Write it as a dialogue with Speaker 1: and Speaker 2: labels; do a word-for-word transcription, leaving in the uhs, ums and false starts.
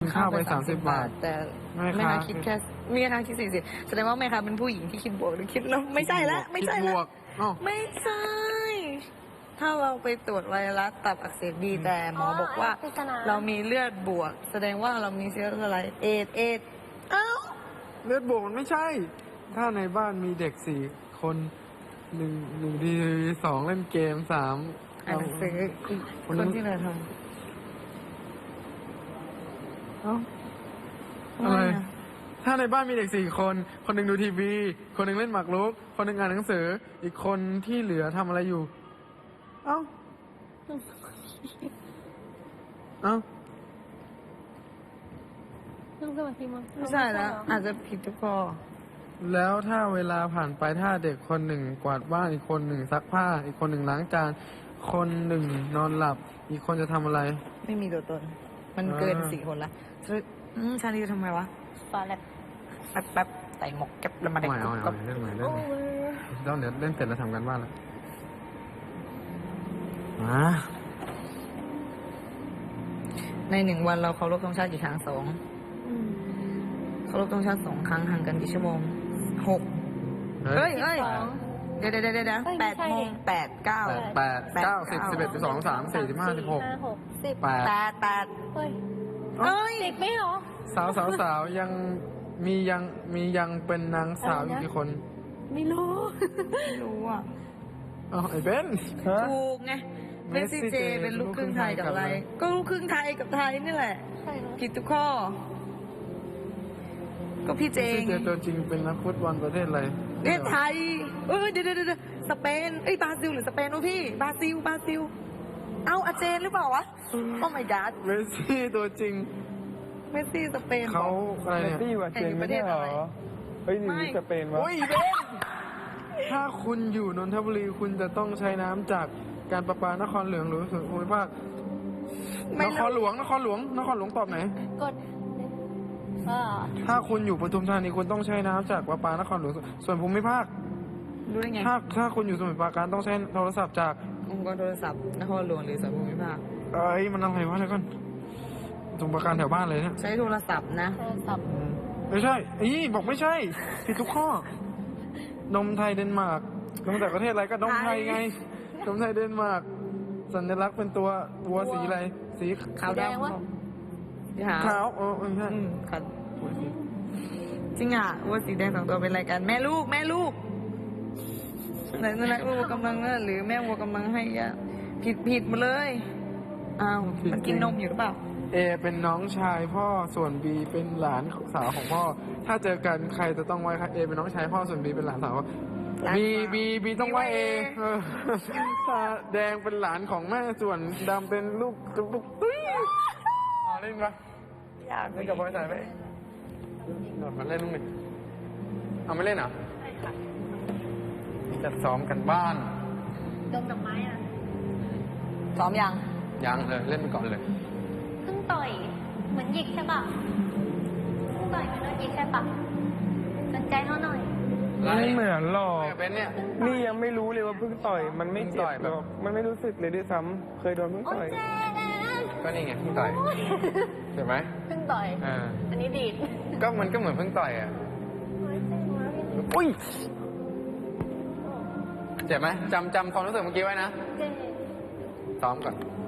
Speaker 1: ข้าวไปสามสิบบาท
Speaker 2: แต่แม่ค้าคิดแค่แม่ค้าคิดสี่สิบแสดงว่าแม่ค้าเป็นผู้หญิงที่คิดบวกหรือคิดลบไม่ใช่ละไม่ใช่ละไม่ใช่ถ้าเราไปตรวจไวรัสตับอักเสบบีแต่หมอบอกว่าเรามีเลือดบวกแสดงว่าเรามีเชื้ออะไรเอดเอดเอ้า
Speaker 1: เลือดบวกมันไม่ใช่ถ้าในบ้านมีเด็กสี่คนหนึ่งหนึ่งทีสองเล่นเกมสาม
Speaker 2: อ่านหนังสืออีกคนที่เราทำเอ้า
Speaker 1: อะไรถ้าในบ้านมีเด็กสี่คนคนหนึ่งดูทีวีคนหนึ่งเล่นหมากรุกคนหนึ่งอ่านหนังสืออีกคนที่เหลือทำอะไรอยู่เอ้าเอ้า
Speaker 3: นั่งสมาธิมั้ง
Speaker 2: ไม่ใช่แล้วอาจจะผิดทุกข้อ
Speaker 1: แล้วถ้าเวลาผ่านไปถ้าเด็กคนหนึ่งกวาดบ้านอีกคนหนึ่งซักผ้าอีกคนหนึ่งล้างจานคนหนึ่งนอนหลับอีกคนจะทำอะไร
Speaker 2: ไม่มีตัวตนมันเกินสี่คนละชาลีจะทำไงวะ
Speaker 3: ฟาแลบ
Speaker 2: แป๊บแป๊บใส่หมกแก๊ปแล้วมาเด็ก
Speaker 1: ก็เล่นใหม่เล่นต้องเดี๋ยวเล่นเสร็จแล้วทำกันบ้านแล้วมา
Speaker 2: ในหนึ่งวันเราเคารพธงชาติกี่ครั้งสองเคารพธงชาติสองครั้งห่างกันกี่ชั่วโมงหกเฮ้ยเฮ้ยเดี๋ยวเดี๋ยวเดี๋ยวเดี๋ยวแปดโมงแปดเก้า
Speaker 1: แปดเก้าสิบสิบเอ็ดสิบสองสามสี่สิบห้าสิบหก
Speaker 3: สิบ
Speaker 1: แปด
Speaker 2: แปดแปด
Speaker 3: เฮ้ยเฮ้ยสิบไม่หรอ
Speaker 1: สาวสาวสาวยังมียังมียังเป็นนางสาวอยู่กี่คน
Speaker 3: ไม่รู้
Speaker 2: ไม่รู้อ่ะ
Speaker 1: อ๋อไอ้เบน
Speaker 2: ถูกไงเมสซี่เจเป็นลูกครึ่งไทยกับอะไรก็ลูกครึ่งไทยกับไทยนี่แหละผิดทุกข้อก็พี่เจง
Speaker 1: เจตัวจริงเป็นนักฟุตบอลประเทศอะไร
Speaker 2: ประเทศไทยเออเดี๋ยวเดี๋ยวสเปนเอ้ยบราซิลหรือสเปนวะพี่บราซิลบราซิลเอาอาเจนหรือเปล่าวะโอ้ my god
Speaker 1: เมสซี่ตัวจริง
Speaker 2: เมสซี่สเปน
Speaker 1: เขาอะไรเนี่ย
Speaker 4: เมสซี่ว่าเจนไม่ใช่หรอเฮ้ยนี่สเปนวะ
Speaker 1: โอ้ยเบนถ้าคุณอยู่นนทบุรีคุณจะต้องใช้น้ำจากการประปานครหลวงหรือส่วนภูมิภาคนครหลวงนครหลวงนครหลวงตอบไหน
Speaker 3: กด
Speaker 1: ถ้าคุณอยู่ปทุมธานีคุณต้องใช้น้ำจากประปานครหลวงส่วนภูมิภาค
Speaker 2: รู้ได้ไง
Speaker 1: ถ้าถ้าคุณอยู่สมุทรปราการต้องใช้โทรศัพท์จาก
Speaker 2: องค์กรโทรศัพท์นครหลวงหรือส่วนภูมิภาค
Speaker 1: เอ้ยมันอะไรวะเดี๋ยวก่อนสมุทรปราการแถวบ้านเลยเนี่ย
Speaker 2: ใช้โทรศัพท์นะ
Speaker 3: โทรศัพท์
Speaker 1: ไม่ใช่อีบอกไม่ใช่ผิดทุกข้อนมไทยเดนมาร์กนมจากประเทศอะไรก็นมไทยไงนมไทยเดนมาร์กสัญลักษณ์เป็นตัววัวสีอะไรสี
Speaker 2: ขาวดำ
Speaker 1: ขาวเออใช่
Speaker 2: ครับจริงอ่ะวัวสีแดงสองตัวเป็นอะไรกันแม่ลูกแม่ลูกไหนนั่นแหละวัวกำลังหรือแม่วัวกำลังให้ยาผิดผิดมาเลยอ้าวมันกินนมอยู่หรือเปล่า
Speaker 1: เอเป็นน้องชายพ่อส่วนบีเป็นหลานสาวของพ่อถ้าเจอกันใครจะต้องไว้เอเป็นน้องชายพ่อส่วนบีเป็นหลานสาวบีบีบีต้องไว้เอถ้าแดงเป็นหลานของแม่ส่วนดำเป็นลูกลูกตุ้ยอ๋อเล่นปะ
Speaker 2: อยาก
Speaker 1: เล่นกับบอยสายไหมหนดมาเล่นลูกหนึ่งเอาไม่เล่นเหรอจัดซ้อมกันบ้าน
Speaker 3: ดมดอกไม้อ่ะ
Speaker 2: ซ้อมยัง
Speaker 1: ยังเลยเล่นไปก่อนเลย
Speaker 3: เพิ่งต่อยเหมือนหยิกใช่ป่ะเพิ่งต่อยมันโดนหยิกใช่ป่ะสนใจเขาหน่อย
Speaker 4: ไม่เหมือนหรอก
Speaker 1: เป็นเนี่ย
Speaker 4: นี่ยังไม่รู้เลยว่าเพิ่งต่อยมันไม่เจ็บหรอกมันไม่รู้สึกเลยด้วยซ้ำเคยโดนเพิ่งต่อย
Speaker 1: ก็นี่ไงเพิ่งต่อยใช่ไหม
Speaker 3: เพิ่งต่อยอันนี้ดีด
Speaker 1: ก็มันก็เหมือนเพิ่งต่อยอ่ะอุ้ยเจ็บไหมจำจำความรู้สึกเมื่อกี้ไว้นะซ้อมก่อน